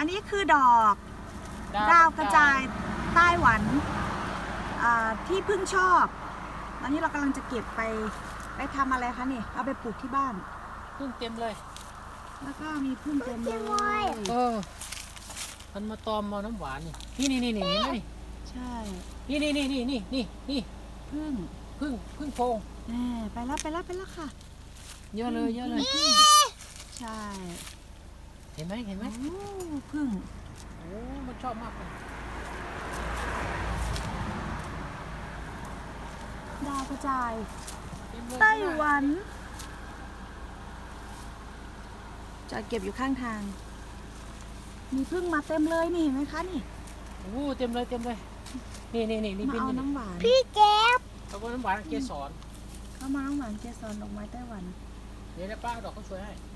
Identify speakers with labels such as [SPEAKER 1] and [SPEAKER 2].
[SPEAKER 1] นนี้คือดอกดาวกระจายไต้หวันที่พึ่งชอบตอนนี้เรากำลังจะเก็บไปทำอะไรคะนี่เอาไปปลูกที่บ้าน
[SPEAKER 2] พึ่งเต็มเลย
[SPEAKER 1] แล้วก็มีพึ่งเต็มเลย
[SPEAKER 2] มันมาตอมมาน้ำหวานนี่นี่เห็นไหมนี่
[SPEAKER 1] ใช่
[SPEAKER 2] นี่พึ่งโพง
[SPEAKER 1] ไปแล้วค่ะ
[SPEAKER 2] เยอะเลย
[SPEAKER 1] ใช่
[SPEAKER 2] เห็นไหม
[SPEAKER 1] โอ้พึ่ง
[SPEAKER 2] โอ้มันชอบมากเลย
[SPEAKER 1] ดาวกระจาย
[SPEAKER 2] เต็มเลย
[SPEAKER 1] ไต้หวันจอดเก็บอยู่ข้างทาง มีพึ่งมาเต็มเลยนี่เห็นไหมคะนี่
[SPEAKER 2] โอ้เต็มเลยนี่
[SPEAKER 1] มาเอาน้ำหวาน
[SPEAKER 3] พี่แก๊บ
[SPEAKER 2] เขาบอกน้ำหวานเกสร
[SPEAKER 1] เข้ามาน้ำหวานเกสรดอกไม้ไต้หวัน
[SPEAKER 2] เดี๋ยวป้าเอาดอกเขาสวยให้